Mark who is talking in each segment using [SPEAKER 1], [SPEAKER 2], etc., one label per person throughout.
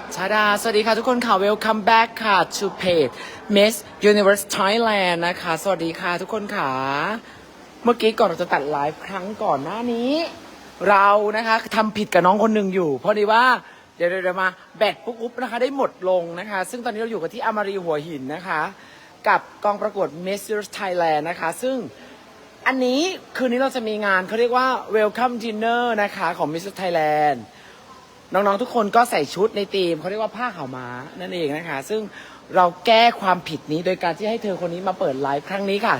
[SPEAKER 1] ชาดาสวัสดีค่ะทุกคนค่ะ welcome back ค่ะ to page Miss Universe Thailand นะคะ สวัสดีค่ะทุกคนค่ะ เมื่อกี้ก่อนเราจะตัดไลฟ์ครั้งก่อนหน้านี้ เรานะคะทำผิดกับน้องคนหนึ่งอยู่ เพราะดีว่าเดี๋ยวมาแบตปุ๊บอุ๊บนะคะได้หมดลงนะคะ ซึ่งตอนนี้เราอยู่กันที่อมารีหัวหินนะคะ กับกองประกวด Miss Universe Thailand นะคะ ซึ่งอันนี้คืนนี้เราจะมีงานเขาเรียกว่า welcome dinner นะคะของ Miss Universe Thailandน้องๆทุกคนก็ใส่ชุดในธีมเขาเรียกว่าผ้าขาวม้านั่นเองนะคะซึ่งเราแก้ความผิดนี้โดยการที่ให้เธอคนนี้มาเปิดไลฟ์ครั้งนี้ค่ะ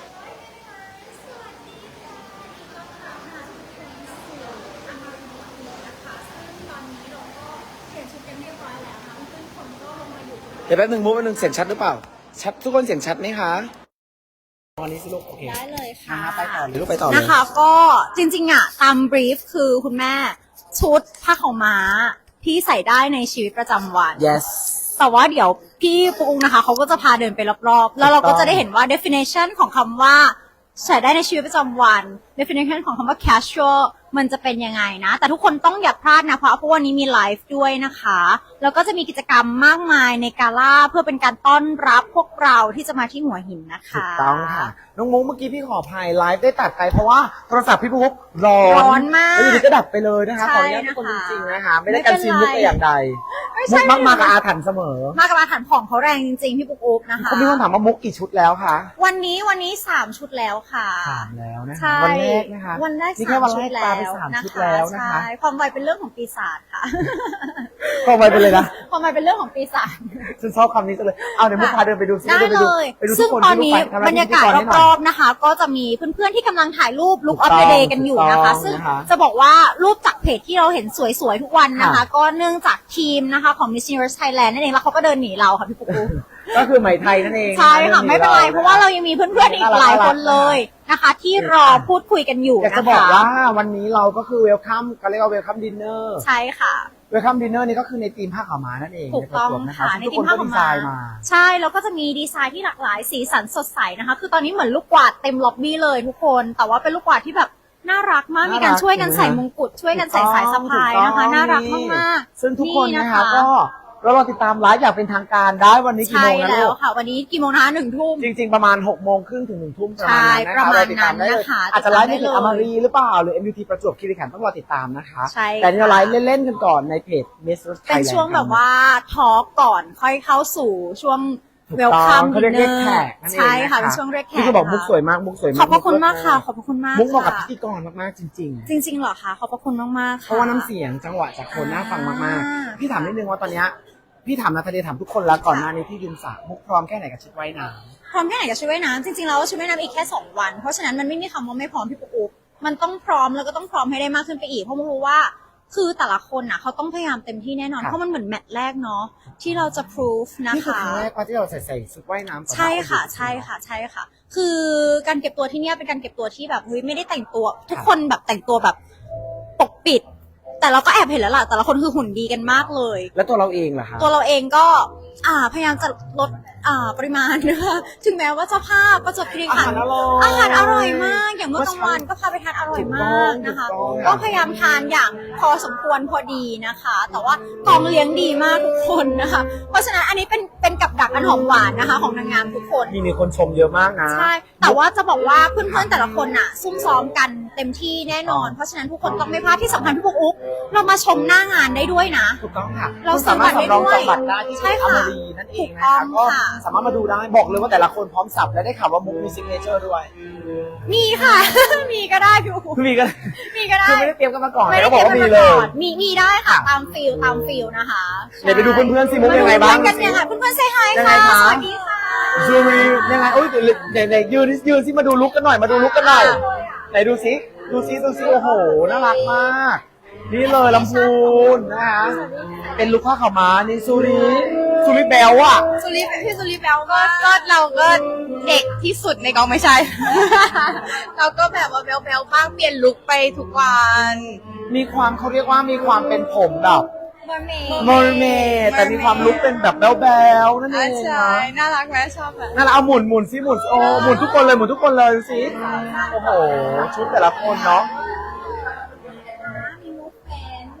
[SPEAKER 1] เดี๋ยวแป๊บนึงมุกแป๊บนึงเสียงชัดหรือเปล่าชัดทุกคนเสียงชัดไหมคะวันนี้สิลูกโอเค
[SPEAKER 2] ได้เลยค่ะ
[SPEAKER 1] ไปต่อเลยลูกไปต่อเลย
[SPEAKER 2] นะคะก็จริงๆอ่ะตามบรีฟคือคุณแม่ชุดผ้าขาวม้าที่ใส่ได้ในชีวิตประจำวัน
[SPEAKER 1] yes
[SPEAKER 2] แต่ว่าเดี๋ยวพี่ปุ๊กนะคะเขาก็จะพาเดินไปรอบๆแล้วเราก็จะได้เห็นว่า definition ของคำว่าใส่ได้ในชีวิตประจำวัน definition ของคำว่า casual มันจะเป็นยังไงนะแต่ทุกคนต้องอย่าพลาดนะเพราะวันนี้มีไลฟ์ด้วยนะคะแล้วก็จะมีกิจกรรมมากมายในกาล่าเพื่อเป็นการต้อนรับพวกเราที่จะมาที่หัวหินนะคะ
[SPEAKER 1] ถูกต้องค่ะน้องมุกเมื่อกี้พี่ขออภัยไลฟ์ได้ตัดไปเพราะว่าโทรศัพท์พี่ปุ๊กร้
[SPEAKER 2] อนมาก
[SPEAKER 1] แล้วอยู่ดีก็ดับไปเลยนะคะขออนุญาตทุกคนจริงๆนะคะไม่ได้กันซีนมุกแต่อย่างใดมุกมักมากับอาถรรพ์เสมอ
[SPEAKER 2] มากับอาถรรพ์ของเขาแรงจริงๆพี่ปุ๊กอุ๊บนะคะ
[SPEAKER 1] เขามีคนถามว่ามุกกี่ชุดแล้วคะ
[SPEAKER 2] วันนี้3 ชุดแล้วค่ะ
[SPEAKER 1] 3แล้วนะคะวันแรกนะคะ
[SPEAKER 2] วันแรก
[SPEAKER 1] นี่แค่วันแรกปาไป3 ชุดแล้วนะคะ
[SPEAKER 2] ใช่ความไวเป็นเรื่องของปีศาจค่ะ
[SPEAKER 1] ความไวไปเลยนะ
[SPEAKER 2] ความไวเป็นเรื่องของปีศาจ
[SPEAKER 1] ฉันชอบคำนี้จังเลยเอาเดี๋ยวมุกพาเดินไปดูซิ
[SPEAKER 2] ได้เลยซึ่งตอนนี้บรรยากาศรอบๆนะคะก็จะมีเพื่อนๆที่กำลังถ่ายรูป Look of the Day กันอยู่นะคะซึ่งจะบอกว่ารูปจากเพจที่เราเห็นสวยๆทุกวันนะคะก็เนื่องจากทีมนะคะของ Miss Universe Thailand นั่นเองแล้วเขาก็เดินหนีเราค่ะพี่ปุ๊กปุ๊ก
[SPEAKER 1] ก็คือไหมไทยนั่นเอง
[SPEAKER 2] ใช่ค่ะไม่เป็นไรเพราะว่าเรายังมีเพื่อนๆอีกหลายคนเลยนะคะที่รอพูดคุยกันอยู่นะคะ
[SPEAKER 1] อยากจะบอกว่าวันนี้เราก็คือ welcome ก็เรียกว่า welcome dinner
[SPEAKER 2] ใช่ค่ะ
[SPEAKER 1] welcome dinner นี่ก็คือในธีมผ้าขาวม้านั่นเอง
[SPEAKER 2] ถูกต้องค่ะในธีมผ้าขาวม้าใช่แล้วก็จะมีดีไซน์ที่หลากหลายสีสันสดใสนะคะคือตอนนี้เหมือนลูกกวาดเต็มล็อบบี้เลยทุกคนแต่ว่าเป็นลูกกวาดที่แบบน่ารักมากมีการช่วยกันใส่มงกุฎช่วยกันใส่สายสะพายนะคะน่ารักมาก
[SPEAKER 1] ๆซึ่งทุกคนนะคะก็เราติดตามไลฟ์อย่างเป็นทางการได้วันนี้กี่โมงนะลูก
[SPEAKER 2] ใช่แล้วค่ะวันนี้กี่โมงนะ1 ทุ่ม
[SPEAKER 1] จริงๆประมาณ6 โมงครึ่งถึง1 ทุ่ม
[SPEAKER 2] ประมาณนั้นนะคะ
[SPEAKER 1] อาจจะไลฟ์ในเพจอมรีหรือเปล่าหรือ MUT ประจวบคีรีขันธ์ต้องรอติดตามนะคะแต่นี่เราไลฟ์เล่นๆกันก่อนในเพจ Miss Thailand
[SPEAKER 2] เป็นช่วงแบบว่าทอล์กก่อนค่อยเข้าสู่ช่วงwelcome
[SPEAKER 1] dinner
[SPEAKER 2] ใช่ค่ะเป็นช่วงเรียกแขก
[SPEAKER 1] ที่เขาบอกมุกสวยมากมุกสวยมาก
[SPEAKER 2] ขอบพระคุณมากค่ะขอบพระคุณมาก
[SPEAKER 1] มุกเหมาะกับพิธีกรมากๆจริง
[SPEAKER 2] ๆเหรอคะขอบพระคุณมากๆ
[SPEAKER 1] เพราะว่าน้ำเสียงจังหวะจากคนน่าฟังมากๆพี่ถามนิดนึงว่าตอนนี้พี่ถามนาธาเดถามทุกคนแล้วก่อนหน้านี้ที่ยืนสระมุกพร้อมแค่ไหนกับชุดว่ายน้
[SPEAKER 2] ำพร้อมแค่ไหนกับชุดว่ายน้ำจริงๆแล้วชุดว่ายน้ำอีกแค่2 วันเพราะฉะนั้นมันไม่มีคำว่าไม่พร้อมพี่ปุ๊กอุ๊บมันต้องพร้อมแล้วก็ต้องพร้อมให้ได้มากขึ้นไปอีกเพราะมุกรู้ว่าคือแต่ละคนน่ะเขาต้องพยายามเต็มที่แน่นอนเพราะมันเหมือนแมตช์แรกเนาะที่เราจะ proof นะคะ
[SPEAKER 1] นี่คือครั้งแรกที่เราใส่ชุดว่ายน้ำ
[SPEAKER 2] ใช่ค่ะคือการเก็บตัวที่เนี่ยเป็นการเก็บตัวที่แบบไม่ได้แต่งตัวทุกคนแบบแต่งตัวแบบปกปิดแต่เราก็แอบเห็นแล้วล่ะแต่ละคนคือหุ่นดีกันมากเลย
[SPEAKER 1] แล้วตัวเราเองล่ะคะ
[SPEAKER 2] ตัวเราเองก็พยายามจะลดปริมาณนะคะถึงแม้ว่าเจ้าภาพประจวบคีรีขันธ์อาหารอร่อยมากอย่างเมื่อกลางวันก็พาไปทานอร่อยมากนะคะก็พยายามทานอย่างพอสมควรพอดีนะคะแต่ว่ากองเลี้ยงดีมากทุกคนนะคะเพราะฉะนั้นอันนี้เป็นกับดักอันหอมหวานนะคะของนางงามทุกคน
[SPEAKER 1] มีคนชมเยอะมากนะ
[SPEAKER 2] ใช่แต่ว่าจะบอกว่าเพื่อนๆแต่ละคนน่ะซุ่มซ้อมกันเต็มที่แน่นอนเพราะฉะนั้นทุกคนต้องไม่พลาดที่สำคัญพี่ปุ๊กอุ๊บเรามาชมหน้างานได้ด้วยนะ
[SPEAKER 1] ถูกต้องค่ะ
[SPEAKER 2] เราสามารถได้ด้วย
[SPEAKER 1] ใช่ค่ะนั่นเองนะคะก็สามารถมาดูได้บอกเลยว่าแต่ละคนพร้อมสับและได้ข่าวว่ามุกมีซิกเนเจอร์ด้วย
[SPEAKER 2] มีค่ะ มีก็ได้พี่อุ๊บ
[SPEAKER 1] มีก็ได้คือไม่ได้เตรียมกันมาก่อน
[SPEAKER 2] ไม่ได้
[SPEAKER 1] บอกว่ามีเลย
[SPEAKER 2] มีได้ค่ะตามฟิลนะคะ
[SPEAKER 1] เดี๋ยวไปดูเพื่อนๆสิมุกยังไงบ้าง
[SPEAKER 2] กันยังไงเพื่อนๆเซฮายค่ะสวัสดีค่ะ
[SPEAKER 1] ยูรียังไงโอ้ยไหนยืนสิมาดูลุกกันหน่อยไหนดูซิโอ้โหน่ารักมากนี่เลยลำพูนนะคะเป็นลูกผ้าขาวม้านี่ซูริแบลอะ
[SPEAKER 2] พี่ซูริแบลก็เราก็เด็กที่สุดในกองไม่ใช่ เราก็แบบว่าแบลบ้างเปลี่ยนลุคไปทุกวัน
[SPEAKER 1] มีความเขาเรียกว่ามีความเป็นผมแบบเมอร์เมดแต่มีความลุคเป็นแบบแบลนั่นเอง
[SPEAKER 2] ใช่น่ารักไหมชอบแบบ
[SPEAKER 1] น่ารักเอาหมุนซิหมุนโอ้หมุนทุกคนเลยดูสิโอ้โหชุดแต่ละคนเนาะ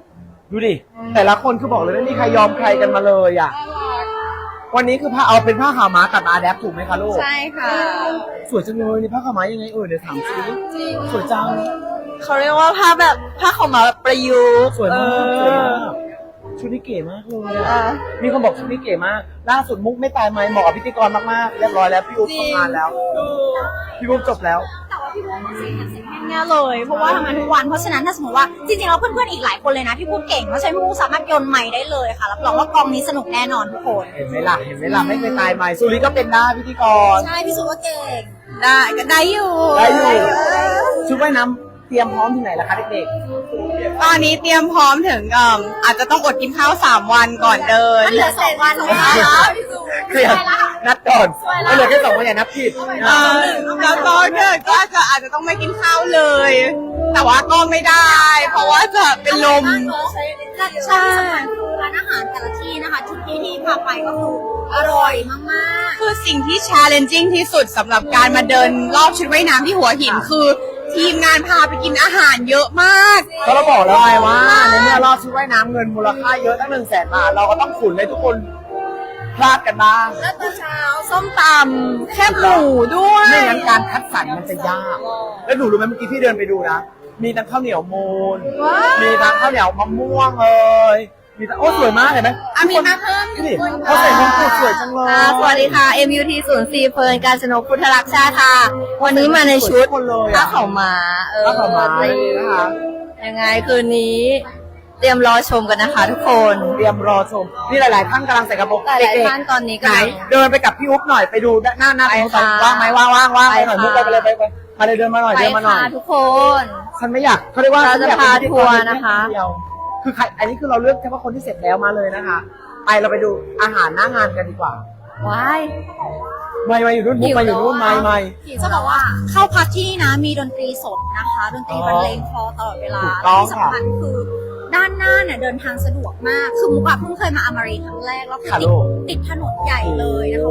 [SPEAKER 1] ดูดิ แต่ละคนคือบอกเลยไม่มีใครยอมใครกันมาเลยอ่ะ วันนี้คือผ้าเอาเป็นผ้าขาวม้ากับอาแดปถูกไหมคะลูก
[SPEAKER 3] ใช่ค่ะ
[SPEAKER 1] สวยจังเลยนี่ผ้าขาวม้ายังไงเดี๋ยวถามซิสวยจัง
[SPEAKER 3] เขาเรียกว่าผ้าแบบผ้าขาวม้าแบบประยุกต์
[SPEAKER 1] สวยมากสวยมากชุดนี้เก๋มากเลยอะมีคนบอกชุดนี้เก๋มาก ล่าสุดมุกไม่ตายไหมเหมาะกับพิธีกรมากๆ เรียบร้อยแล้วพี่อุ๊บทำงานแล้ว พี่อุ๊บจบแล้ว
[SPEAKER 2] แต่ว่าพี่บุ๊กสิทำง่ายๆเลย เพราะว่าทำงานทุกวัน เพราะฉะนั้นถ้าสมมติว่าจริงๆแล้วเพื่อนๆอีกหลายคนเลยนะที่พูดเก่งเพราะฉะนั้นพี่บุ๊กสามารถโยนไมค์ได้เลยค่ะรับรองว่ากองนี้สนุกแน่นอนทุกคน
[SPEAKER 1] เห็นไหมล่ะไม่เคยตายไหมสุริก็เป็นได้พิธีกร
[SPEAKER 2] ใช่พี่สุว่าเก่ง
[SPEAKER 3] ได้ก็ได้อยู่
[SPEAKER 1] ได้อยู่ชุดว่ายน้ำเตรียมพร้อมที่ไหนล่ะคะเด็ก
[SPEAKER 3] ตอนนี้เตรียมพร้อมถึงอาจจะต้องอดกินข้าว3 วันก่อนเดิน
[SPEAKER 2] มันเหลือ2 วันนะคะ
[SPEAKER 1] ๆเคลียร์นัดก่อนไม่เหลือแค่2 วันอย่านับผิด
[SPEAKER 3] แล้วก็ก็อาจจะต้องไม่กินข้าวเลย แต่ว่าก็ไม่ได้ เพราะว่าจะเป็นลม
[SPEAKER 2] ใช่ร้านอาหารแต่ละที่นะคะทุกที่ที่พาไปก็คืออร่อยมากๆ
[SPEAKER 3] คือสิ่งที่ challenging ที่สุดสำหรับการมาเดินรอบชุดว่ายน้ำที่หัวหินคือทีมงานพาไปกินอาหารเยอะมาก
[SPEAKER 1] ก็เราบอกแล้วไงว่าในเมื่อรอบชุดว่ายน้ำเงินมูลค่าเยอะตั้ง100,000 บาทเราก็ต้องขุนให้ทุกคนพลาดกันบ้าง
[SPEAKER 3] แล้วตอนเช้าส้มตำแคบหมูด้วย
[SPEAKER 1] ไม่งั้นการคัดสรรมันจะยาก แล้วหนูรู้ไหมเมื่อกี้พี่เดินไปดูนะ มีทั้งข้าวเหนียวมูน มีทั้งข้าวเหนียวมะม่วงมีทั้งโอ้สวยมากเห็นไหม
[SPEAKER 3] มีมาเพิ่ม
[SPEAKER 1] นี่เขาใส่มงกุฎสวยจังเลย
[SPEAKER 3] สวัสดีค่ะ MUT 04เฟิร์นการชนกพุทธรักษาค่ะ วันนี้มาในชุด
[SPEAKER 1] คนเลย
[SPEAKER 3] ผ้า
[SPEAKER 1] อะ
[SPEAKER 3] ขาวม้า
[SPEAKER 1] ผ้าขาวม้าเลยนะคะ
[SPEAKER 3] ยังไงคืนนี้ เตรียมรอชมกันนะคะทุกคน
[SPEAKER 1] เตรียมรอชม นี่หลายๆท่านกำลังใส่กระโปรง
[SPEAKER 3] หลาย
[SPEAKER 1] เด็ก
[SPEAKER 3] ๆท่านตอนนี้
[SPEAKER 1] ๆ
[SPEAKER 3] ก็
[SPEAKER 1] ไหนเดินไปกับพี่อุ๊บหน่อยไปดูหน้า
[SPEAKER 3] ไป
[SPEAKER 1] ตรง
[SPEAKER 3] ค่ะ
[SPEAKER 1] ว่างไหมว่างไปหน่อย
[SPEAKER 3] ไป
[SPEAKER 1] มุก
[SPEAKER 3] ค่ะ
[SPEAKER 1] ไปเลยไปมาเลยเดินมาหน่อย
[SPEAKER 3] ไป
[SPEAKER 1] เดินมาหน่อย
[SPEAKER 3] ค่ะทุกคน
[SPEAKER 1] ฉันไม่อยากเขาเรียกว่า
[SPEAKER 3] เราจะ
[SPEAKER 1] ฉันอยก
[SPEAKER 3] พา
[SPEAKER 1] เป็
[SPEAKER 3] ทัวร์นะคะ
[SPEAKER 1] เดียวคือใครอันนี้คือเราเลือกแค่ว่าคนที่เสร็จแล้วมาเลยนะคะ ไปเราไปดูอาหารหน้างานกันดีกว่า
[SPEAKER 3] ว้าย
[SPEAKER 1] ไม่อยู่นู่นมุกมาอยู่นู่นไม่
[SPEAKER 2] จะบอกว่าเข้าพักที่นี่นะมีดนตรีสดนะคะ ดนตรีบรรเลงคลอตลอดเวลา
[SPEAKER 1] ถูกต้อง
[SPEAKER 2] ที่สำคัญคือด้านหน้าเนี่ยเดินทางสะดวกมาก คือมุกอะเพิ่งเคยมาอเมริกครั้งแรกแล้วคือ
[SPEAKER 1] ค่ะ
[SPEAKER 2] ติ
[SPEAKER 1] ลู
[SPEAKER 2] ด
[SPEAKER 1] ก
[SPEAKER 2] ติดถนนใหญ่เลยนะคะ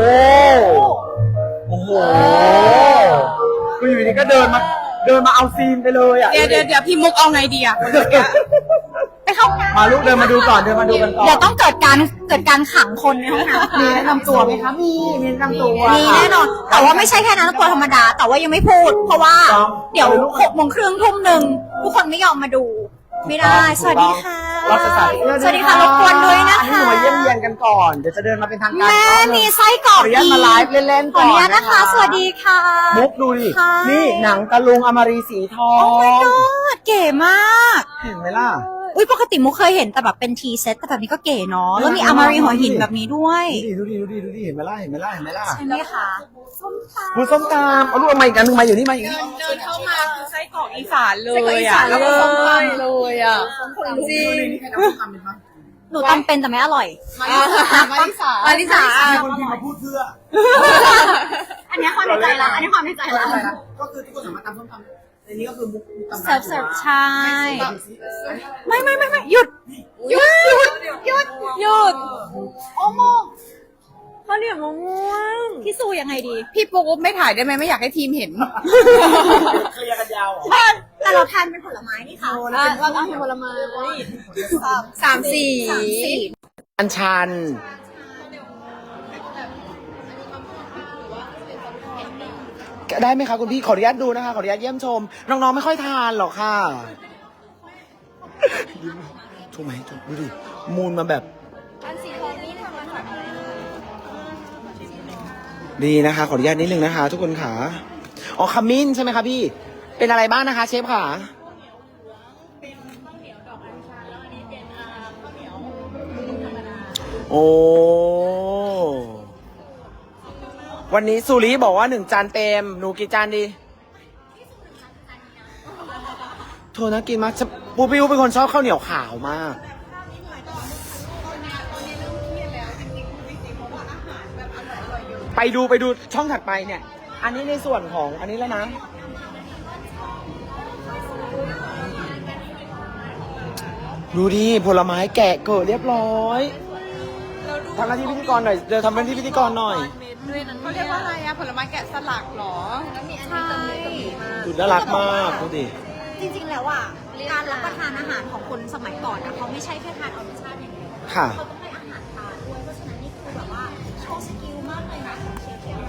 [SPEAKER 1] โอ้โหคืออยู่ดีก็เดินมาเอาซีนไปเลยอ่ะ
[SPEAKER 3] เดี๋ยวพี่มุกเอาไงดีอะ
[SPEAKER 2] ไปเข้าห้องน้ำ
[SPEAKER 1] มาลูกเดินมาดูก่อนเดินมาดูกันก่อน
[SPEAKER 2] เดี๋ยวต้องเกิดการขังคนในห้องน้ำ
[SPEAKER 1] มีแนะนำตัวไหมคะมีแนะนำตัว
[SPEAKER 2] มีแน่นอน แต่ว่าไม่ใช่แค่นั้นตัวธรรมดา แต่ว่ายังไม่พูด เพราะว่า
[SPEAKER 1] ต้อง
[SPEAKER 2] เดี๋ยว6:30 ทุ่มทุกคนไม่ยอมมาดู ไม่ได้ สวัสดีค่ะ
[SPEAKER 1] เราจะสาธิต
[SPEAKER 2] สวัสดีค่ะรบกวนด้วยนะ
[SPEAKER 1] อันนี้ห
[SPEAKER 2] คะ
[SPEAKER 1] นูมาเยี่ยมเยียนกันก่อนเดี๋ยวจะเดินมาเป็นทางการ
[SPEAKER 2] แม่
[SPEAKER 1] ก่อน
[SPEAKER 2] มีไส้กร
[SPEAKER 1] ข
[SPEAKER 2] อ
[SPEAKER 1] อก อนุญาตมาไลฟ์เล่นๆ
[SPEAKER 2] ขอ
[SPEAKER 1] ก่อน
[SPEAKER 2] อนุญาตนะคะ สวัสดีค่ะ
[SPEAKER 1] มุกดูดิ
[SPEAKER 2] ค่ะ
[SPEAKER 1] นี่หนังตะลุงอมรีสีทอง
[SPEAKER 2] เก๋มาก
[SPEAKER 1] เห็นไหมล่ะ
[SPEAKER 2] อุ้ยปกติมุกเคยเห็นแต่แบบเป็นทีเซ็ตแต่แบบนี้ก็เก๋เนาะ แล้วมีอามารีหัวหินแบบนี้ด้วย
[SPEAKER 1] ดูดิเห็นไหมล่ะ
[SPEAKER 2] ใช่ไหมคะ
[SPEAKER 1] คุณส้มตำเอาลูกเอามาอีกอันหนึงมาอยู่นี่มาอยู่นี่
[SPEAKER 3] เดินเข้ามาคือไส้กรอกอีสานเล
[SPEAKER 2] ไส้กรอก
[SPEAKER 3] ย
[SPEAKER 2] อี
[SPEAKER 3] อะ
[SPEAKER 2] สาน
[SPEAKER 3] แล้วก็ส้มตำเลยอะจริง
[SPEAKER 2] หนูตำเป็นแต่ไม่อร่อย
[SPEAKER 3] มาริสา
[SPEAKER 1] มีคนพิมพ์มาพูดเพื่อ
[SPEAKER 2] อันนี้ความในใจละ
[SPEAKER 1] ก็คือทุกคนสามารถตำส้มตำในนี้ก็คือมุกตำ
[SPEAKER 2] เสิร์ฟใช่ ไม่หยุดโอ้โม
[SPEAKER 3] ข้าวเหนียวมะม่วง
[SPEAKER 2] พี่ซูยังไงดี
[SPEAKER 3] พี่ปุ๊กไม่ถ่ายได้ไหมไม่อยากให้ทีมเห็น
[SPEAKER 1] เคลียร์กันยาว
[SPEAKER 2] แต่เราทานเป็นผลไม้นี่ค่ะ
[SPEAKER 3] เราเอาผลไม้สามสี่
[SPEAKER 1] อันชันได้ไหมคะคุณพี่ขออนุญาตดูนะคะขออนุญาตเยี่ยมชม น้องๆไม่ค่อยทานหรอกค่ะถูกไหมถูกดูดิมูลมาแบบ
[SPEAKER 3] อันสีทองนี่ทำมาจากอะไร
[SPEAKER 1] ดีนะคะ ขออนุญาตนิดนึงนะคะ ทุกคนค่ะอ๋อขมิ้นใช่ไหมคะพี่เป็นอะไรบ้างนะคะ เชฟค่ะโอ้วันนี้สุริบอกว่า1 จานเต็มหนูกี่จานดีโทษนะกินมากปูปิวเป็นคนชอบข้าวเหนียวขาวมากไปดูช่องถัดไปเนี่ย อันนี้ในส่วนของอันนี้แล้วนะดูดิผลไม้แกะเกิดเรียบร้อยทำหน้าที่พิธีกรหน่อยเดี๋ยวทำหน้าที่พิธีกรหน่อย
[SPEAKER 3] เขาเรียกว่าอะไรอะผลไม้แกะสลักเหรอแล้วมีอันนี้
[SPEAKER 1] ดูน่ารักมากดูดิ
[SPEAKER 2] จริงๆแล้วอ่ะการรับประทานอาหารของคนสมัยก่อนนะเขาไม่ใช่แค่ทานเอารสชาติอย่างเดียว
[SPEAKER 1] ค่ะ
[SPEAKER 2] เขาต้องให้อาหารตาด้วยเพราะฉะนั้นนี่คือแบบว่าโชว์สกิลมากเลยนะของเชฟเนี่ย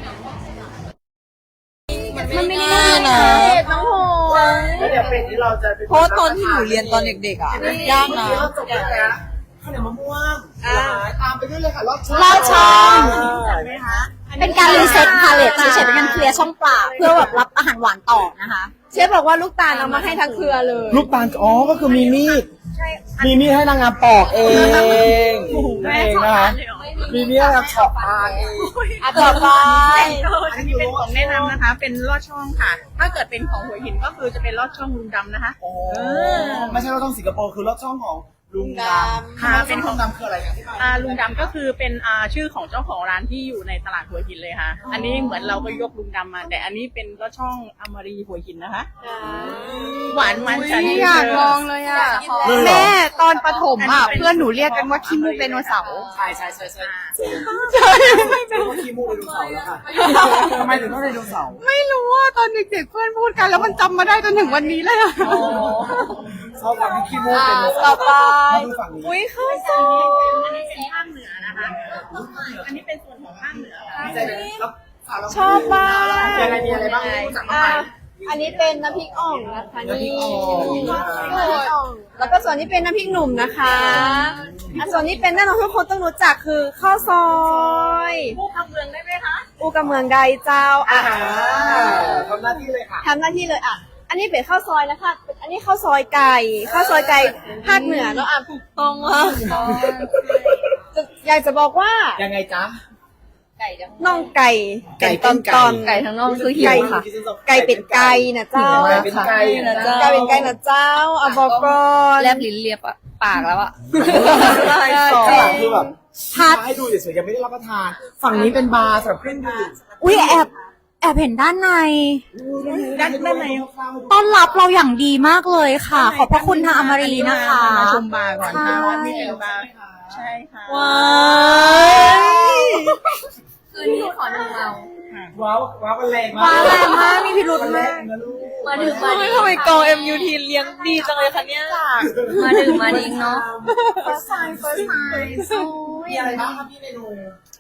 [SPEAKER 2] มันไม่ได้นะน้องโห
[SPEAKER 1] แล้วเดี๋ยวเป็ดที่เราจะ
[SPEAKER 4] เพราะตอนที่หนูเรียนตอนเด็กๆอ่ะยากนะ
[SPEAKER 1] เราจบแล้วข้าวเหนียวมะม่วงตามไปด้วยเลยค่ะรอดช่อง
[SPEAKER 2] ลอดช่อง เป็นการรีเซ็ตพาเลตเฉยๆเป็นการเคลียร์ช่องปากเพื่อแบบรับอาหารหวานต่อนะคะ
[SPEAKER 4] เชฟบอกว่าลูกตาลเอามาให้ทั้งเครือเลย
[SPEAKER 1] ลูกตาลอ๋อก็คือมีมีดมีมีดให้นางงามปอกเองนั่นเองนะคะมีมีดให้นางเฉาะตาลเอง
[SPEAKER 4] ต่อไป
[SPEAKER 3] อันนี้เป็นของแนะนำนะคะ เป็นลอดช่องค่ะ ถ้าเกิดเป็นของหัวหินก็คือจะเป็นลอดช่องลุงดำนะคะ
[SPEAKER 1] ไม่ใช่รถช่องสิงคโปร์คือรถช่องของลุงดำ
[SPEAKER 3] ค่ะเป็นของ
[SPEAKER 1] ดำคืออะไรอย่างที่
[SPEAKER 3] ลุงดำก็คือเป็นชื่อของเจ้าของร้านที่อยู่ในตลาดหัวหินเลยค่ะ อันนี้เหมือนเราก็ยกลุงดำมา แต่อันนี้เป็นลอดช่องอมรีหัวหินนะคะ หวานมันฉัน
[SPEAKER 4] อยากลองเลยอ่ะแม่ตอนประถมอ่ะเพื่อนหนูเรียกกันว่าขี้มูกไดโนเสาร์
[SPEAKER 1] ใช่ว่าขี้มูกไดโนเสาร์แล้วค่ะทำไมถึงต้องไดโนเสาร์
[SPEAKER 4] ไม่รู้ว่าตอนเด็กๆเพื่อนพูดกันแล้วมันจำมาได้จนถึงวันนี้เลยอ่ะ
[SPEAKER 1] ชอบความที่ขี้มูกไดโนเสา
[SPEAKER 4] ต่อ
[SPEAKER 1] ร์
[SPEAKER 4] ไป
[SPEAKER 1] มาดูฝั่งนี้
[SPEAKER 4] อุ้ยข้าวซอย
[SPEAKER 3] อันนี้เป็นภาคเหนือนะคะ อันนี้เป็นส่วนของภาคเหนือค่ะ
[SPEAKER 4] ชอบมาก
[SPEAKER 1] มีอะไรบ้างรู้จักบ้างไหม
[SPEAKER 4] อันนี้เป็นน้ำพริกอ่องนะคะ
[SPEAKER 1] น้ำพริ
[SPEAKER 4] นี่
[SPEAKER 1] กอ่อง
[SPEAKER 4] แล้วก็ส่วนนี้เป็นน้ำพริกหนุ่มนะคะส่วนนี้เป็นแน่นอนทุกคนต้องรู้จักคือข้าวซอย
[SPEAKER 3] ผู้คำเมืองได้ไหมคะ
[SPEAKER 4] อูกะเมืองไดเจ้าอ่ะ
[SPEAKER 1] ทำหน้าที่เลยค่ะ
[SPEAKER 4] ทำหน้าที่เลยอ่ะ อันนี้เป็นข้าวซอยนะคะ อันนี้ข้าวซอยไก่ข้าวซอยไก่ภาคเหนือเนาะอ่ะถูกต้องอ่ะอยากจะบอกว่า
[SPEAKER 1] ยังไงจ๊ะ
[SPEAKER 4] น่องไก่
[SPEAKER 1] ไก่
[SPEAKER 4] ตอน
[SPEAKER 1] ไก่
[SPEAKER 4] ตอนไก่ทั้งน่องคือหิวค่ะ ไก่เป็ดไก่นะเจ้า
[SPEAKER 1] ไก่เป็นไก่นะเจ้า
[SPEAKER 4] ไก่เป็นไก่นะเจ้าอ่ะบอกก่อน
[SPEAKER 5] แลบลิ้นเลียบอะปากแล้วอะ
[SPEAKER 1] ข้างหลังคือแบบ
[SPEAKER 2] พัด
[SPEAKER 1] ให้ดูเฉยๆยังไม่ได้รับประทาน ฝั่งนี้เป็นบาร์สำหรับเครื่องดื่ม
[SPEAKER 2] อุ้ยแอบเห็นด้านใน
[SPEAKER 1] ด้านใน
[SPEAKER 2] ต้อนรับเราอย่างดีมากเลยค่ะ ขอบพระคุณทางอมรีนะคะ
[SPEAKER 3] มาชมบาร์ก่อนค่ะ
[SPEAKER 2] ใช่
[SPEAKER 3] ว่านี่เป็นบาร์ใช่ค่ะ
[SPEAKER 4] ว้าย
[SPEAKER 5] คืนนี้ขอหนึ่งเรา
[SPEAKER 1] ว้าวว้าวกันแรงมาก
[SPEAKER 2] ว้าวแรงมากมีพิรุธมาก
[SPEAKER 1] นะลูก
[SPEAKER 5] มาดื่มมาดิ
[SPEAKER 4] ทำไมกอง MUT เลี้ยงดีจังเลยคะเนี่ย
[SPEAKER 5] มาดื่มมาดิเนาะ
[SPEAKER 2] first time
[SPEAKER 1] มีอะไรบ้างครับพี่เมนู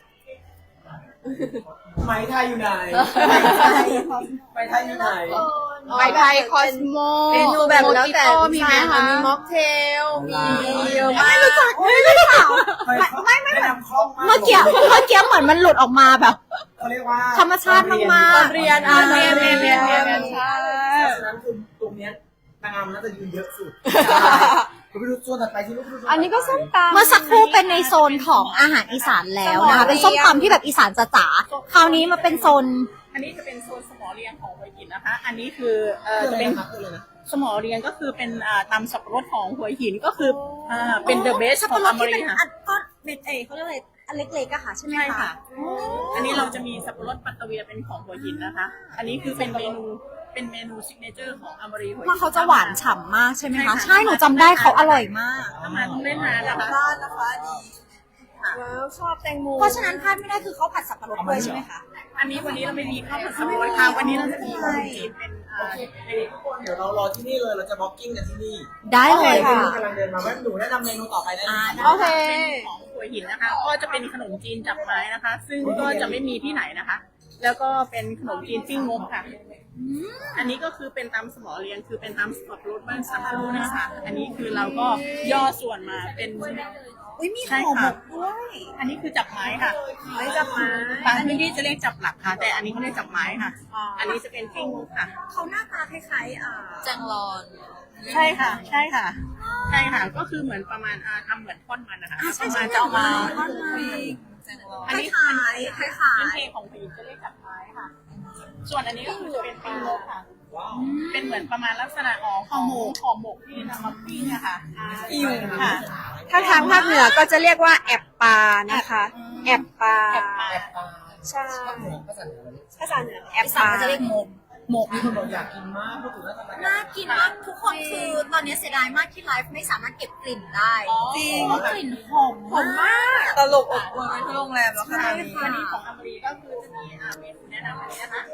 [SPEAKER 1] ไหมไทยอยู่ไหนไหมไทยอยู่ไหน
[SPEAKER 4] ไปไทยคอสโมเมนูแบบแล้วแต่มีไหมคะมีม็อกเทลมีเยอะมากไม่รู้จัก
[SPEAKER 1] ไม่นำคล่องมาก
[SPEAKER 2] เมื่อกี้เหมือนมันหลุดออกมาแบบ
[SPEAKER 1] เขาเรียกว่า
[SPEAKER 2] ธรรมชาติมากๆ
[SPEAKER 4] เรียนเรียนใช่
[SPEAKER 1] ฉะนั้นคือตรงเนี้ยนางงามน่าจะยืนเยอะสุดคุณไปดูโซนถัดไปที่ลูก
[SPEAKER 4] อันนี้ก็ส้มตำ
[SPEAKER 2] เมื่อสักครู่เป็นในโซนของอาหารอีสานแล้วนะคะเป็นส้มตำที่แบบอีสานจ๋าๆคราวนี้มาเป็นโซน
[SPEAKER 3] อันนี้จะเป็นโซนสมอเรียงของหัวหินนะคะ อันนี้คือจะเป็นสมอเรียงก็คือเป็นตำสับปะรดของหัวหินก็คือเป็นเดอะเบสของอมรีค่ะ
[SPEAKER 2] ก็เป็นเขาเรียกอะไรอันเล็กๆอะค่ะใช่ไหม
[SPEAKER 3] ใช่
[SPEAKER 2] คะ
[SPEAKER 3] ค่ะ อันนี้เราจะมีสับปะรดปัตตะเวียเป็นของหัวหินนะคะ อันนี้คือเป็นเมนูซิกเนเจอร์ของอมรีหัวหิน
[SPEAKER 2] เพราะเขาจะหวานฉ่ำมากใช่ไหมคะ
[SPEAKER 3] ใช่
[SPEAKER 2] ใช่หนูจำได้เขาอร่อยมาก
[SPEAKER 3] ถ้ามาต้องได้ทานนะคะ
[SPEAKER 4] ร้านนะคะดีว้าวชอบแตงโม
[SPEAKER 2] เพราะฉะนั้นพลาดไม่ได้คือเขาผัดสับปะรดด้วยใช่ไหมคะ
[SPEAKER 3] อันนี้วันนี้เราไม่มีข้าวผัดสับปะรดค่ะวันนี้เราจะมีขนมจีนเป็น
[SPEAKER 1] โอเคทุกคนเดี๋ยวเรารอที่นี่เลยเราจะบล็อกกิ้งกันที่นี่
[SPEAKER 2] ได้เลย
[SPEAKER 1] ค่ะ
[SPEAKER 2] ค่ะ
[SPEAKER 1] กำลังเดินมาว่าหนูแนะนำเมนูต่อไปได้ไหม
[SPEAKER 4] โอเค
[SPEAKER 3] เป็นของหัวหินนะคะ ก็จะเป็นขนมจีนจับไม้นะคะ ซึ่งก็จะไม่มีที่ไหนนะคะ แล้วก็เป็นขนมจีนปิ้งงบค่ะ อันนี้ก็คือเป็นตำสมอเรียงคือเป็นตำสับปะรดบ้านสับปะรดนะคะ อันนี้คือเราก็ย่อส่วนมาเป็น
[SPEAKER 2] อุ้ยมี
[SPEAKER 3] ใช่
[SPEAKER 2] ห่อหม
[SPEAKER 3] ค่ะ
[SPEAKER 2] กด้วย
[SPEAKER 3] อันนี้คือจับไม้ค่ะ
[SPEAKER 4] ไม่จับมา
[SPEAKER 3] บางพื้นที่จะเรียกจับหลักค่ะ แต่อันนี้เขาเรียกจับไม้ค่ะ อันนี้จะเป็นปิ้งงบค่ะ
[SPEAKER 2] เขาหน้าตาคล้ายๆ
[SPEAKER 5] จังรอน
[SPEAKER 3] ใช่ค่ะ ใช่ค่ะ ใช่ค่ะ ก็คือเหมือนประมาณทำเหมือนทอดมันนะคะประมาณจะเอามา
[SPEAKER 2] ทอดมัน
[SPEAKER 3] อันนี้
[SPEAKER 2] คล้ายๆ
[SPEAKER 3] เป็นเพลงของผู้หญิงจะเรียกจับไม้ค่ะ ส่วนอันนี้ก็คือจะเป็นปิ้งงบค่ะ เป็นเหมือนประมาณลักษณะของห่อหมกที่นำมาปิ้งอะค่ะอิ่วค่ะ
[SPEAKER 4] ถ้าทางภาคเหนือก็จะเรียกว่าแอบปลานะคะ แอบปลาใช่ภาษาเหนือแอบ
[SPEAKER 2] อี
[SPEAKER 4] ป
[SPEAKER 2] สาน
[SPEAKER 4] ลา
[SPEAKER 2] ก็จะเรียกหมก
[SPEAKER 1] มีคนบอกอยากกินมากพูดถึงแล้วทำไม
[SPEAKER 2] น่ากินมากทุกคนคือตอนนี้เสียดายมากที่ไลฟ์ไม่สามารถเก็บกลิ่นได้
[SPEAKER 4] จริง
[SPEAKER 2] เพราะกลิ่นหอมมาก
[SPEAKER 4] ตลกอบอวลไปทั้งโรงแรมแล้วค่ะ
[SPEAKER 3] อันนี้ของอเมริกาก็คือจะมีเมนูแนะนำอันนี้นะคะ อั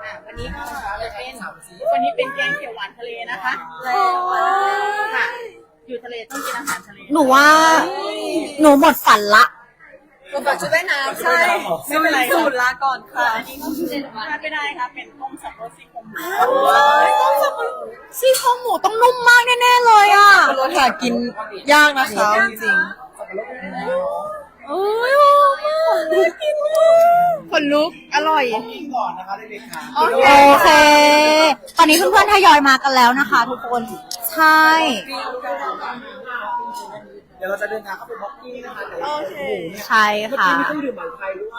[SPEAKER 3] วันนี้ก็จะเป็นวันนี้เป็นแกงเขียวหวานทะเลนะคะค่ะ อยู่ทะเลต้องกินอาหารทะเล
[SPEAKER 2] หนูว่าหนูหมดฝันละ
[SPEAKER 4] ก่อนจะได้น้ำใช่
[SPEAKER 3] ไม่เป็นไร
[SPEAKER 4] สูตรลาก่อนค่ะ
[SPEAKER 3] อันนี้ก็คือพลาดไม่ได้ค่ะเป็นต้มสับปะรดซี่โครงหมู
[SPEAKER 2] ซี่โครงหมูต้องนุ่มมากแน่ๆเลยอ่ะ
[SPEAKER 4] รสหากินยากนะคะจริง
[SPEAKER 2] เอ้ยหอมมากน่ากินมาก
[SPEAKER 4] คนลุกอร่อย
[SPEAKER 2] โอเค ตอนนี้เพื่อนๆทยอยมากันแล้วนะคะ ทุกคน ใช่
[SPEAKER 1] เดี๋ยวเราจะเดินทางเข้าไปบล็อกกิ้งนะคะเดี๋ยวเราจะดูเนี่ย
[SPEAKER 2] ใช่ค่ะ
[SPEAKER 1] มีเครื่องดื่มหวานไทยด้วย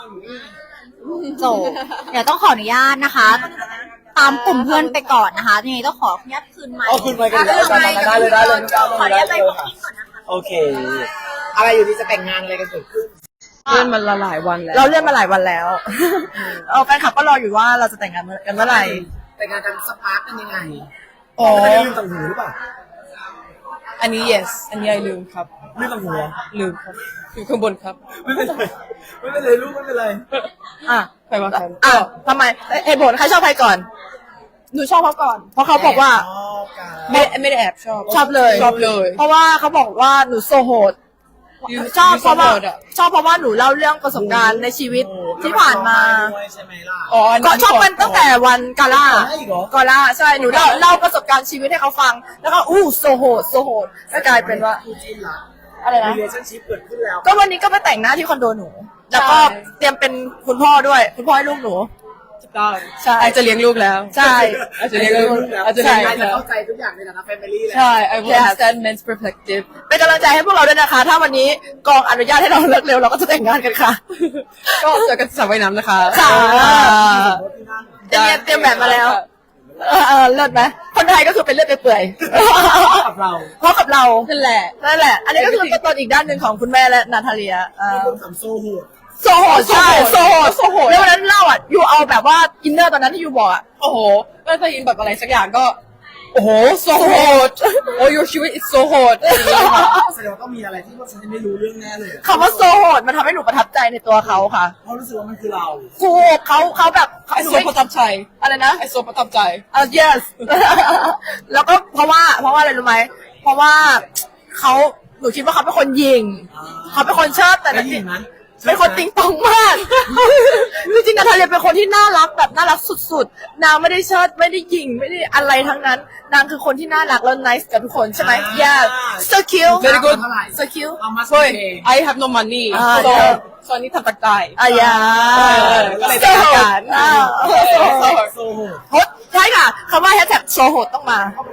[SPEAKER 2] โจเดี๋ยวต้องขออนุญาตนะคะ ตามกลุ่มเพื่อนไปก่อนนะคะยังไงต้องขออนุญาตคืนไมค์
[SPEAKER 1] เอาคืนไปกันเลยได้เลยได้เลยน้องก้าวได้เลยค่ะโอเค อะไรอยู่ดีจะแต่งงานอะไรกันเกิดขึ้น
[SPEAKER 4] เลื่อนมาหลายวันแล้ว เราเลื่อนมาหลายวันแล้ว แฟนคลับก็รออยู่ว่าเราจะแต่งงานกันเมื่อไหร่
[SPEAKER 1] แต่งงานกันสปาร์กเป็นยังไง
[SPEAKER 4] อ๋อ
[SPEAKER 1] ไม่ได้ลืมต่างหูหรือเปล่า
[SPEAKER 4] อันนี้ yes อันนี้ไอลืมครับ
[SPEAKER 1] ลืมต่างหูเหรอ
[SPEAKER 4] ลืมครับ อยู่ข้างบนครับ
[SPEAKER 1] ไม่เป็นไรไม่เป็นไรลูกไม่เป็นไร
[SPEAKER 4] อ่ะใครมากันอ่ะทำไมเหตุผลใครชอบใครก่อน หนูชอบเขาก่อน เพราะเขาบอกว่า
[SPEAKER 1] ชอบกัน
[SPEAKER 4] ไม่ได้แอบชอบเลย เพราะว่าเขาบอกว่าหนูโซโหด ชอบ
[SPEAKER 5] you
[SPEAKER 4] เพราะว่า
[SPEAKER 5] so hot อะ
[SPEAKER 4] ชอบเพราะว่าหนูเล่าเรื่องประสบการณ์ในชีวิตที่ผ่านมา
[SPEAKER 1] ด้วยใช่ไหมล่ะ
[SPEAKER 5] อ๋ออัน
[SPEAKER 4] ก็
[SPEAKER 5] นี้
[SPEAKER 4] ชอบมันตั้งแต่วันกาล่า
[SPEAKER 1] ได้อีกเหรอ
[SPEAKER 4] กาล่าใช่หนูเล่าประสบการณ์ชีวิตให้เขาฟัง แล้วก็โซโหดแล้วกลายเป็นว่า
[SPEAKER 1] คู่จิ้นละ
[SPEAKER 4] อะไรนะ
[SPEAKER 1] relationship เกิดขึ้นแล้ว
[SPEAKER 4] ก็วันนี้ก็ไปแต่งหน้าที่คอนโดหนู แล้วก็เตรียมเป็นคุณพ่อด้วย คุณพ่อให้ลูกหนู ใช่
[SPEAKER 5] ไอจะเลี้ยงลูกแล้ว
[SPEAKER 4] ใช่
[SPEAKER 5] ไอจะเลี้ยงลูก
[SPEAKER 1] อาจจะ
[SPEAKER 5] ใช่
[SPEAKER 1] จะเข้าใจทุกอย่างในฐานะ family แหละ
[SPEAKER 5] ใช่ I will understand men's perspective
[SPEAKER 4] เป็นกำลังใจให้พวกเราด้วยนะคะ ถ้าวันนี้กองอนุญาตให้เราเลิกเร็วเราก็จะแต่งงานกันค่ะ
[SPEAKER 5] ก็เจอกันสระว่ายน้ำนะคะ
[SPEAKER 4] ค่ะ
[SPEAKER 5] ได้
[SPEAKER 4] เตรียมแบบมาแล้ว เลิศไหมคนไทยก็คือเป็นเลือดเปื่อย
[SPEAKER 1] กับเรา
[SPEAKER 4] เพราะกับเรา
[SPEAKER 5] นั่นแหละ
[SPEAKER 4] นั่นแหละ อันนี้ก็คือเป็นตัวอีกด้านหนึ่งของคุณแม่และนาทาเลีย
[SPEAKER 1] ที่คนทำโซ่หัว
[SPEAKER 4] โซโหดใช่โซโหดแล้ววันนั้นเล่าอ่ะยูเอาแบบว่าอินเนอร์ตอนนั้นที่ยูบอกอ่ะ
[SPEAKER 5] โอ้โหก็จะยินแบบอะไรสักอย่างก็ โอ้โห so hot โอ้ your ชีวิต is so hot อย่างนี้ค่ะ
[SPEAKER 1] แสดงว่าต้องมีอะไรที่พวกฉันไม่รู้เรื่องแน่เลย
[SPEAKER 4] คำว่าโซโหดมันทำให้หนูประทับใจในตัวเขาค่ะ
[SPEAKER 1] เพราะรู้สึกว่ามันคือเรา
[SPEAKER 4] ถูกเขาแบบ
[SPEAKER 5] ไอโซประทับใจ
[SPEAKER 4] อะไรนะ
[SPEAKER 5] ไอโซประทับใจ
[SPEAKER 4] yes แล้วก็เพราะว่าอะไรรู้ไหมเพราะว่าเขาหนูคิดว่าเขาเป็นคนยิงเขาเป็นคนเชิดแต่
[SPEAKER 1] ได้ยินไหม
[SPEAKER 4] เป็นคนติงตองมากจริงๆนาทาเลียเป็นคนที่น่ารักแบบน่ารักสุดๆนางไม่ได้เชิดไม่ได้ยิงไม่ได้อะไรทั้งนั้นนางคือคนที่น่ารักแล้ว nice กับทุกคนใช่ไหม yes so cute
[SPEAKER 5] very good
[SPEAKER 4] so cute
[SPEAKER 1] เอามา
[SPEAKER 5] เฮ้ย
[SPEAKER 1] เอง
[SPEAKER 5] I have no money
[SPEAKER 4] ใช่
[SPEAKER 5] so อันนี้ทำตะกาย
[SPEAKER 4] อ่ะยา
[SPEAKER 5] ก็เลยเป็นอาการ
[SPEAKER 1] โซ่หัว
[SPEAKER 4] โหดใช่ค่ะคำว่าแฮชแท็กโซโหดต้องมา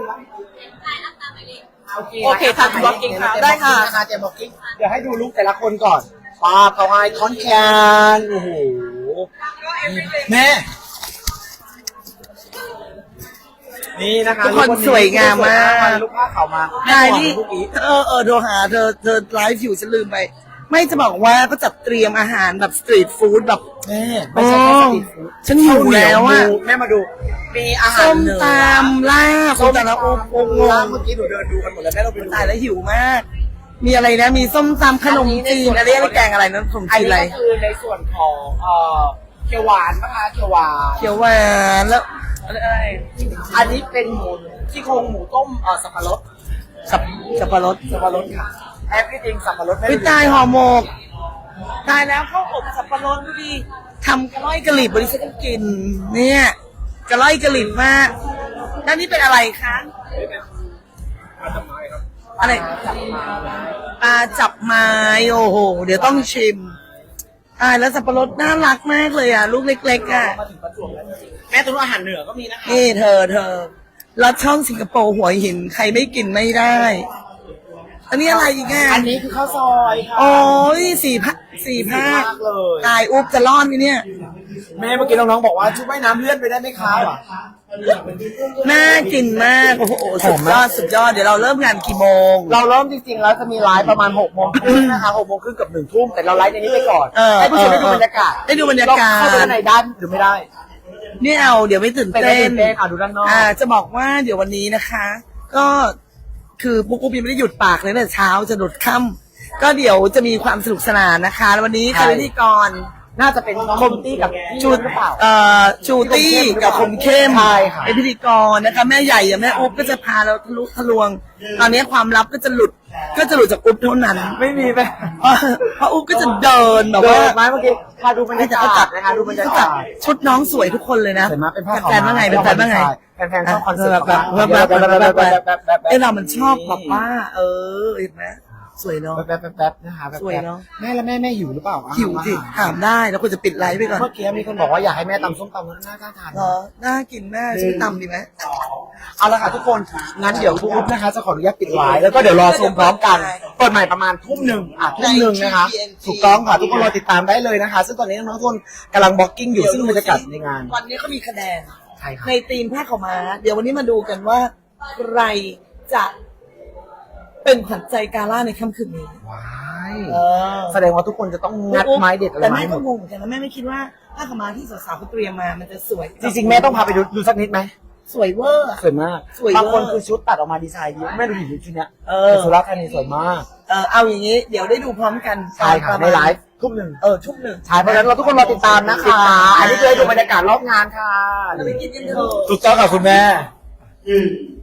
[SPEAKER 5] โอเคทำ blocking ค่ะ
[SPEAKER 4] ได้ค่ะ
[SPEAKER 1] เจมบล็อกกิ้งเดี๋ยวให้ดูลุคแต่ละคนก่อนปาเขาไอคอนแคน โอ้โห แม่ นี่นะคะ
[SPEAKER 4] ทุกคนสวยงามมาก
[SPEAKER 1] ลูกผ้าขาวมา
[SPEAKER 6] ได้นี่โทรหาเธอไลฟ์อยู่ฉันลืมไป ไม่จะบอกว่าก็จัดเตรียมอาหารแบบสตรีทฟู้ดแบบ
[SPEAKER 1] แม่ไม่ใช่แค่สตรีทฟู้ด
[SPEAKER 6] ฉันหิวแล้วอะ
[SPEAKER 1] แม่มาดู มีอาหาร
[SPEAKER 6] ส้ม
[SPEAKER 1] เหนือ
[SPEAKER 6] ตำลาบส้มตำแล้วโอ้โห
[SPEAKER 1] ร้านเมื่อกี้หนูเดินดูกันหมดแล้วแม่เราไปดู
[SPEAKER 6] ตายแล้วหิวมาก มีอะไรนะ มีส้มตำขนมจีนอะไรแกงอะไรนะขนม
[SPEAKER 1] อัน
[SPEAKER 6] จีน
[SPEAKER 1] นี้
[SPEAKER 6] อะไร
[SPEAKER 1] ก็คือในส่วนของเขียวหวานนะคะเขียวหวาน
[SPEAKER 6] เขียวหวานแล้วอะไร
[SPEAKER 1] อันนี้เป็นหมูที่โครงหมูต้มสับปะรด
[SPEAKER 6] สับปะรด
[SPEAKER 1] สับปะรดค่ะ everything สับปะรด
[SPEAKER 6] วิตายห่อหมกตายแล้วข้าวอบสับปะรดดูดิทำกระล่อยกระหลิบบริษัทกิน เนี่ยกระล่อยกระหลิบมากด้านนี้เป็นอะไรคะอะไรปลาจับไม้โอ้โห เดี๋ยวต้องชิมตายแล้วสับปะรดน่ารักมากเลยอ่ะ ลูกเล็กๆอ่ะ
[SPEAKER 1] มาถึงประจวบแล้วจริงๆแม่ตัวนู้นอาหารเหนือก็มีนะคะ
[SPEAKER 6] นี่เธอรสช่องสิงคโปร์หัวหินใครไม่กินไม่ได้ อันนี้อะไรอีกอ่ะ
[SPEAKER 1] อันนี้คือข้าวซอยค่ะ
[SPEAKER 6] โอ้ยสี่ภาค
[SPEAKER 1] มากเลย
[SPEAKER 6] ตายอุ๊บจะรอดไหมเนี่ย
[SPEAKER 1] แม่เมื่อกี้น้องๆบอกว่าชุดว่ายน้ำเลื่อนไปได้ไหมคะว่ะ
[SPEAKER 6] น่ากินมากโอ้โหสุดยอดเดี๋ยวเราเริ่มงานกี่โมง
[SPEAKER 1] เราเริ่มจริงๆแล้วจะมีไลฟ์ประมาณ6 โมงครึ่งนะคะ6 โมงครึ่งกับ1 ทุ่มแต่เราไลฟ์ในนี้ไปก่อน
[SPEAKER 6] เออ
[SPEAKER 1] ให้ผู้ชมได้ดูบรรยากาศ
[SPEAKER 6] ได้ดูบรรยากาศ
[SPEAKER 1] เเข้าไปด้านในด้านหรือไม่ได้
[SPEAKER 6] เนี่ยเอาเดี๋ยวไม่ตื่น
[SPEAKER 1] เป็น
[SPEAKER 6] เต้น
[SPEAKER 1] เต้นค่ะดูด้านนอก
[SPEAKER 6] จะบอกว่าเดี๋ยววันนี้นะคะ ก็คือปุ๊กปุ๊กยังไม่ได้หยุดปากเลยตั้งแต่เช้าจะหลดค่ำก็เดี๋ยวจะมีความสนุกสนานนะคะแล้ววันนี้ใครเป็นพิธีกร
[SPEAKER 1] น่าจะเป็นคมตี้กับจูนหรือเปล่า
[SPEAKER 6] ชูตี้กับคมเข้ม
[SPEAKER 1] ใช่ค่ะ
[SPEAKER 6] เป็นพิธีกรนะคะแม่ใหญ่อย่างแม่อุ๊บก็จะพาเราทะลุทะลวง ตอนนี้ความลับก็จะหลุดจากอุ๊บเท่านั้น
[SPEAKER 1] ไม่มีไป
[SPEAKER 6] เพราะอุ๊บก็จะเดินแบบ
[SPEAKER 1] เดิ
[SPEAKER 6] ว่าน
[SPEAKER 1] ไหมเมื่อกี้พาดูบรรยากาศนะคะดูบรรยากาศ
[SPEAKER 6] ชุดน้องสวยทุกคนเลยนะ
[SPEAKER 1] สวยมากเป็นผ้าขาว
[SPEAKER 6] แฟนๆว่าไงเป็นแฟนว่าไง
[SPEAKER 1] แฟนๆชอบคอนเสิร์ต
[SPEAKER 6] แบบ เอ้เรามันชอบแบบว่า เห็นไหมสวยเนาะ
[SPEAKER 1] แป๊บนะคะแป๊บ
[SPEAKER 6] สวยเนอะ
[SPEAKER 1] แม่แล้วแม่หิวหรือเปล่า
[SPEAKER 6] หิวสิถามได้แล้วควรจะปิดไลฟ์ไปก่อน
[SPEAKER 1] เมื่อกี้มีคนบอกว่าอยากให้แม่ตำส้มตำแล้วน่าทาน
[SPEAKER 6] เหรอน่ากินแม่ชื่อตำดีไหม
[SPEAKER 1] เอาละค่ะทุกคนงั้นเดี๋ยวทุกคนนะคะจะขออนุญาตปิดไลฟ์แล้วก็เดี๋ยวรอชมพร้อมกันเปิดใหม่ประมาณทุ่มหนึ่งนะคะ ถูกต้องค่ะทุกคนรอติดตามได้เลยนะคะ ซึ่งตอนนี้น้องๆทุกคนกำลังบล็อกกิ้งอยู่ซึ่งบรรยากาศในงาน
[SPEAKER 6] วันนี้เขามีคะแนน
[SPEAKER 1] ใช่ค่ะ
[SPEAKER 6] ในทีมแพทย์เขามา เดี๋ยววันนี้มาดูกันว่าใครจะเป็นขวัญใจกาล่าในค่ำคืนนี้
[SPEAKER 1] ว้าย
[SPEAKER 6] เออ
[SPEAKER 1] แสดงว่าทุกคนจะต้องงัดไม้เด็ดอะไร
[SPEAKER 6] แต่
[SPEAKER 1] มา
[SPEAKER 6] แม่
[SPEAKER 1] ให้หม
[SPEAKER 6] ก็
[SPEAKER 1] ด
[SPEAKER 6] งงเหมือนกันนะแม่ไม่คิดว่าผ้าขาวม้าที่สาวๆเขาเตรียมมามันจะสวย
[SPEAKER 1] จริงๆแม่ต้องพาไปดูสักนิดไหม
[SPEAKER 6] สวยเวอร์อะ
[SPEAKER 1] สวยมาก
[SPEAKER 6] สวยเวอร์
[SPEAKER 1] บางคนคือชุดตัดออกมาดีไซน์ดีแม่ดูดิชุดเนี้ย
[SPEAKER 6] อ
[SPEAKER 1] แต่สุราษฎร์ธานีสวยมาก
[SPEAKER 6] เอาอย่างนี้ เดี๋ยวได้ดูพร้อมกัน
[SPEAKER 1] ใช่ค่ะ
[SPEAKER 6] ประ
[SPEAKER 1] ใน
[SPEAKER 6] มาณ
[SPEAKER 1] ไลฟ์ทุ่มหนึ่ง
[SPEAKER 6] ทุ่มหนึ่ง
[SPEAKER 1] ใช่เพราะฉะนั้นเราทุกคนรอติดตามนะคะ อันนี้คือให้ดูบรรยากาศรอบงานค่ะ
[SPEAKER 6] เราไปกินกันเถอะ
[SPEAKER 1] ถูกต้องค่ะคุณแม่
[SPEAKER 6] อืม